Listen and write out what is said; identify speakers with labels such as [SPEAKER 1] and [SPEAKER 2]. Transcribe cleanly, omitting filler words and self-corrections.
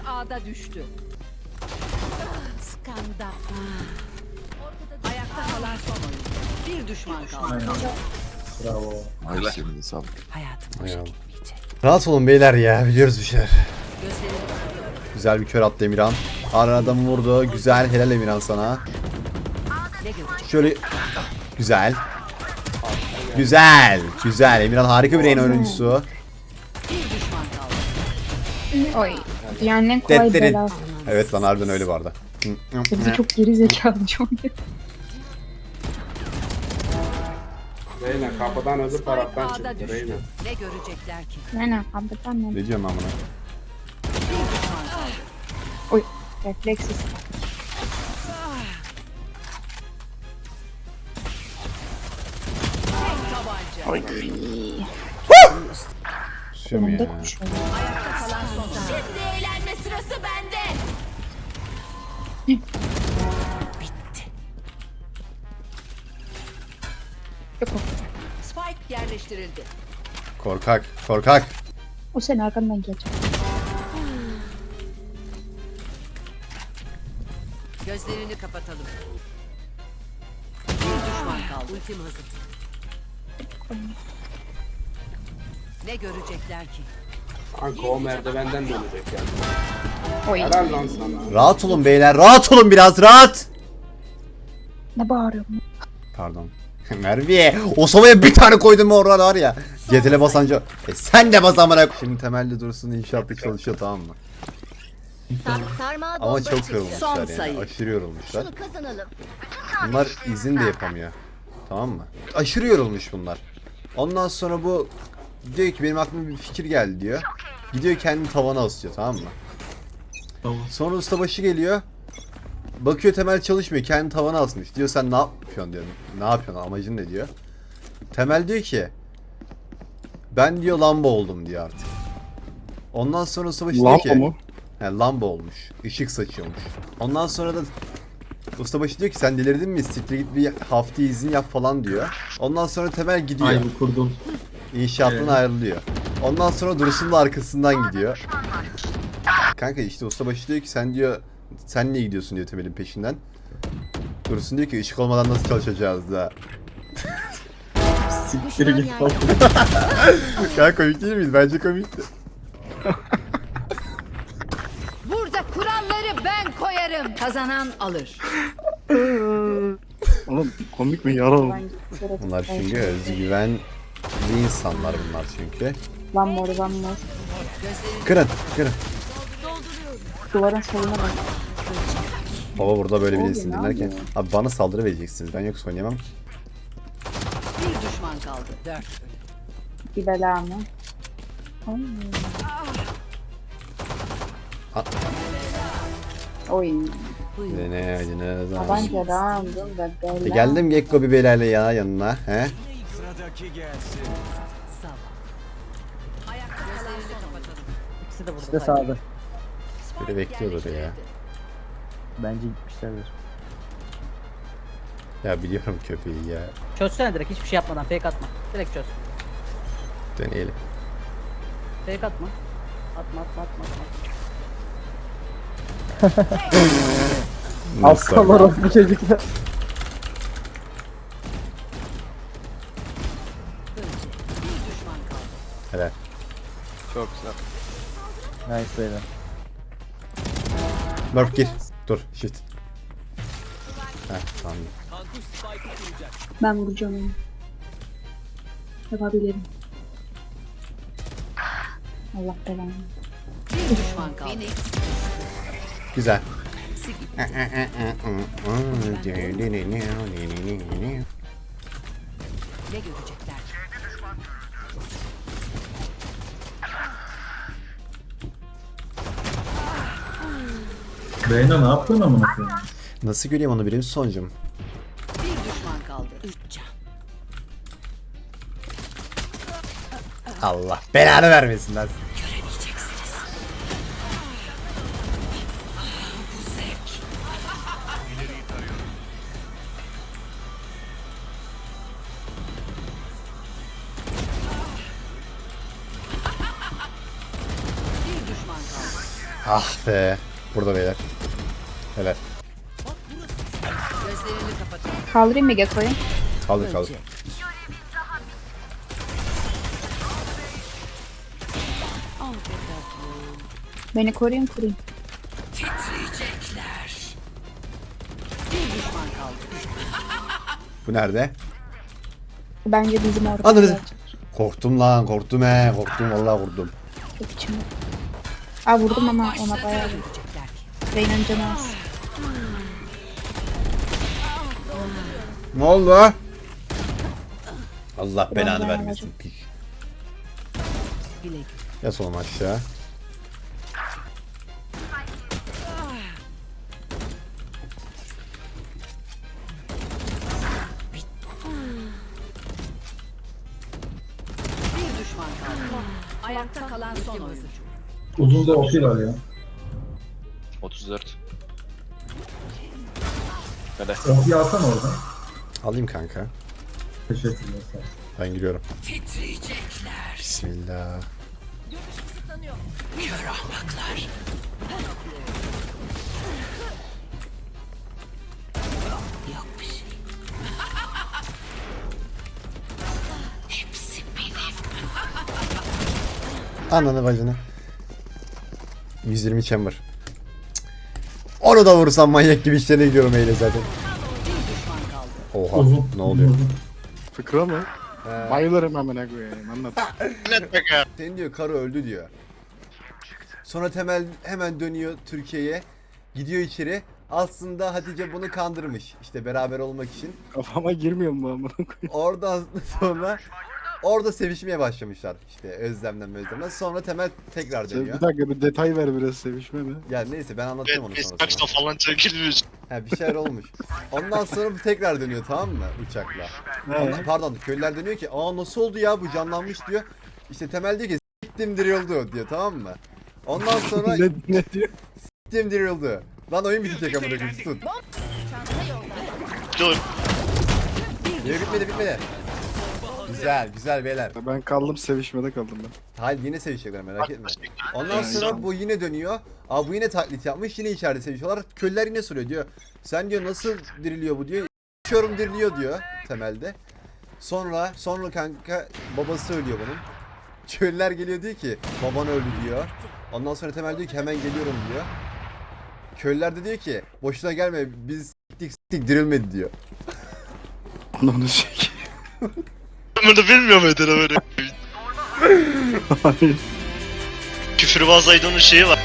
[SPEAKER 1] A'da düştü. Skandal. Ayakta kalan son oyuncu. Bir düşman kaldı.
[SPEAKER 2] Bravo.
[SPEAKER 3] Ay senin sağlık.
[SPEAKER 1] Hayatım boşa
[SPEAKER 4] Eyvallah.
[SPEAKER 1] gitmeyecek.
[SPEAKER 4] Rahat olun beyler ya, biliyoruz bir şeyler.
[SPEAKER 1] Gözlerini
[SPEAKER 4] Güzel bir kör attı Emirhan. Arana adamı vurdu. Güzel, helal Emirhan sana.
[SPEAKER 1] ne görecek?
[SPEAKER 4] Şöyle güzel. Güzel. Güzel. Emirhan harika bir yayın oyuncusu.
[SPEAKER 1] Bir düşman kaldı.
[SPEAKER 5] Oy. Yani ne kolay
[SPEAKER 4] Detlerin.
[SPEAKER 5] bela.
[SPEAKER 4] Evet lan, harbiden öyle vardı.
[SPEAKER 5] Bizi çok geri zekalı çok.
[SPEAKER 2] Reyna kapıdan öbür taraftan
[SPEAKER 1] A'da
[SPEAKER 2] çıktı
[SPEAKER 1] düştü.
[SPEAKER 2] Reyna.
[SPEAKER 1] Ne görecekler ki?
[SPEAKER 5] Yani kapıdan ne?
[SPEAKER 4] Ne diyorum ben buna?
[SPEAKER 1] Bir düşman kaldı.
[SPEAKER 5] Oy. Refleksiz.
[SPEAKER 1] Tek tabanca.
[SPEAKER 4] Susuyorum ya.
[SPEAKER 5] Önümde koşuyor.
[SPEAKER 1] Ayakta kalan son oyuncu.
[SPEAKER 6] Şimdi eğlenme sırası bende.
[SPEAKER 1] Bitti.
[SPEAKER 5] Yok o.
[SPEAKER 1] Spike yerleştirildi.
[SPEAKER 4] Korkak. Korkak.
[SPEAKER 5] O senin arkandan gelecek.
[SPEAKER 1] Gözlerini kapatalım. Bir düşman kaldı. Ultim hazır. Ne görecekler ki?
[SPEAKER 2] Kanka o merdivenden dönecek yani.
[SPEAKER 5] Oy.
[SPEAKER 2] Helal lan sana.
[SPEAKER 4] Rahat olun beyler. Rahat olun biraz. Rahat.
[SPEAKER 5] Ne bağırıyorsun?
[SPEAKER 4] Pardon. Merve. O sobaya bir tane koydum mu orada var ya. Cetele basanca. Sen de bas amına. Şimdi temelli dursun, inşaatta çalışıyor, tamam mı?
[SPEAKER 6] Sarmal
[SPEAKER 4] Ama
[SPEAKER 6] bomba
[SPEAKER 4] çok
[SPEAKER 6] çıktı.
[SPEAKER 1] Son
[SPEAKER 4] yorulmuşlar yani.
[SPEAKER 1] sayı.
[SPEAKER 4] Aşırı yorulmuşlar.
[SPEAKER 6] Şunu kazanalım.
[SPEAKER 4] Bunlar izin de yapamıyor. Tamam mı? Aşırı yorulmuş bunlar. Ondan sonra bu diyor ki benim aklıma bir fikir geldi diyor. Gidiyor kendini tavana asıyor, tamam mı?
[SPEAKER 2] Tamam.
[SPEAKER 4] Sonra ustabaşı geliyor. Bakıyor Temel çalışmıyor. Kendini tavana asmış. Diyor sen ne yapıyorsun diyor. Ne yapıyorsun, amacın ne diyor. Temel diyor ki ben diyor lamba oldum diyor artık. Ondan sonra ustabaşı diyor ki He, lamba olmuş. Işık saçıyormuş. Ondan sonra da ustabaşı diyor ki sen delirdin mi? Siktir git bir hafta izin yap falan diyor. Ondan sonra Temel gidiyor.
[SPEAKER 2] Ay bu kurdum.
[SPEAKER 4] İnşaattan ayrılıyor. Ondan sonra Dursun da arkasından gidiyor. Kanka işte ustabaşı diyor ki sen diyor sen niye gidiyorsun diyor Temel'in peşinden. Dursun diyor ki ışık olmadan nasıl çalışacağız da.
[SPEAKER 6] Siktir git.
[SPEAKER 4] Kanka komik değil miyiz? Bence komikti.
[SPEAKER 1] Burada kuralları ben koyarım. Kazanan alır.
[SPEAKER 3] Oğlum komik mi yaralı?
[SPEAKER 4] Bunlar çünkü özgüvenli insanlar bunlar çünkü.
[SPEAKER 5] Lan mor lan mor.
[SPEAKER 4] Kırın, kırın.
[SPEAKER 5] Duvarın soluna bak.
[SPEAKER 4] Baba burada böyle
[SPEAKER 5] Oğlum,
[SPEAKER 4] birisini
[SPEAKER 5] ne
[SPEAKER 4] dinlerken
[SPEAKER 5] yapıyor?
[SPEAKER 4] abi bana saldırı vereceksiniz. Ben yoksa oynayamam ki.
[SPEAKER 1] Bir düşman kaldı. 4.
[SPEAKER 5] Bir bela mı? Oy.
[SPEAKER 4] Ha.
[SPEAKER 5] Oy.
[SPEAKER 1] Buyurun.
[SPEAKER 4] Ne
[SPEAKER 5] Tabanca round'un da bela.
[SPEAKER 4] Geldim Gekko bir belayla ya yanına. He?
[SPEAKER 1] Sağ ol. Ayakta kalan son oyuncu.
[SPEAKER 7] İkisi de burada.
[SPEAKER 8] İşte sağda.
[SPEAKER 4] Biri bekliyordur ya.
[SPEAKER 8] Bence gitmişlerdir.
[SPEAKER 4] Ya biliyorum köpeği ya.
[SPEAKER 7] Çözsene direkt hiçbir şey yapmadan fake atma. Direkt çöz.
[SPEAKER 4] Deneyelim.
[SPEAKER 7] Fake atma. Atma atma atma atma.
[SPEAKER 8] Aptal orospu çocuklar.
[SPEAKER 1] Bir düşman kaldı.
[SPEAKER 4] Helal.
[SPEAKER 3] Çok güzel.
[SPEAKER 8] Nice beyler.
[SPEAKER 4] Murph gir. Dur. Shift. Heh tamam.
[SPEAKER 5] Ben vuracağım onu. Yapabilirim. Allah belanı.
[SPEAKER 1] Bir düşman kaldı.
[SPEAKER 4] Güzel.
[SPEAKER 1] Ne görecekler ki?
[SPEAKER 2] Reyna ne yapıyorsun amına koyayım?
[SPEAKER 4] Nasıl göreyim onu birinci sonucum?
[SPEAKER 1] Bir düşman kaldı. 3 can.
[SPEAKER 4] Allah belanı vermesin lan.
[SPEAKER 1] Bir düşman kaldı.
[SPEAKER 4] Ah be. Burada beyler. Helal.
[SPEAKER 1] Gözlerini kapatın.
[SPEAKER 5] Kaldırayım mı Gekko'yu?
[SPEAKER 4] Kaldır kaldır.
[SPEAKER 5] Beni koruyun kurayım.
[SPEAKER 1] Bir düşman kaldı.
[SPEAKER 4] Bu nerede?
[SPEAKER 5] Bence bizim orada.
[SPEAKER 4] Anladın. Korktum lan korktum he. Korktum vallahi korktum.
[SPEAKER 5] Çok içimde. Aa vurdum ama ona bayağı vurdum.
[SPEAKER 1] Görecekler ki.
[SPEAKER 5] Reyna'nın canı az.
[SPEAKER 4] Ne oldu? Allah belanı
[SPEAKER 5] bayağı
[SPEAKER 4] vermesin.
[SPEAKER 1] Bile
[SPEAKER 4] Yat oğlum aşağı.
[SPEAKER 1] bir düşman kaldı. Ayakta kalan son oyuncu.
[SPEAKER 2] Uzun da OP var ya.
[SPEAKER 3] 34. Böyle.
[SPEAKER 2] OP alsana oradan.
[SPEAKER 4] Alayım kanka.
[SPEAKER 2] Teşekkürler. Sağ ol.
[SPEAKER 4] Ben giriyorum. Bismillah. Ananı bacını. 120 chamber. Cık. Onu da vursam manyak gibi işlerine gidiyorum eyle zaten. Oha
[SPEAKER 2] Uzun.
[SPEAKER 4] ne oluyor?
[SPEAKER 2] Uzun.
[SPEAKER 3] Fıkra mı? Bayılırım hemen koyayım. Anlat.
[SPEAKER 4] Senin diyor karı öldü diyor. Sonra Temel hemen dönüyor Türkiye'ye. Gidiyor içeri. Aslında Hatice bunu kandırmış. İşte beraber olmak için.
[SPEAKER 3] Kafama girmiyor mu amına koyayım?
[SPEAKER 4] Oradan sonra orada sevişmeye başlamışlar. İşte Özlem'den. Sonra Temel tekrar
[SPEAKER 3] Sen
[SPEAKER 4] dönüyor.
[SPEAKER 3] bir dakika bir detay ver biraz sevişme mi?
[SPEAKER 4] Ya neyse ben anlatacağım onu sonra.
[SPEAKER 9] Saçta falan çekilmiş.
[SPEAKER 4] He bir şeyler olmuş. Ondan sonra bu tekrar dönüyor tamam mı uçakla. Pardon köylüler dönüyor ki aa nasıl oldu ya bu canlanmış diyor. İşte Temel diyor ki s**tim dirildi diyor tamam mı? Ondan sonra
[SPEAKER 3] ne diyor?
[SPEAKER 4] s**tim dirildi. Lan oyun bitecek amına koyayım tut.
[SPEAKER 9] Dur.
[SPEAKER 4] Niye bitmedi. Güzel beyler.
[SPEAKER 3] Ben kaldım sevişmede kaldım ben.
[SPEAKER 4] Hayır yine sevişecekler merak etme. Ondan sonra bu yine dönüyor. Aa bu yine taklit yapmış yine içeride sevişiyorlar. Köylüler yine soruyor diyor. Sen diyor nasıl diriliyor bu diyor. İçiyorum diriliyor diyor temelde. Sonra kanka babası ölüyor bunun. Köylüler geliyor diyor ki baban öldü diyor. Ondan sonra Temel diyor ki hemen geliyorum diyor. Köylüler de diyor ki boşuna gelme biz s**tik dirilmedi diyor.
[SPEAKER 3] Onu çek.
[SPEAKER 9] Bunu bilmiyor muydun böyle?
[SPEAKER 3] Hayır.
[SPEAKER 9] Küfürbaz Aydın'ın şeyi var.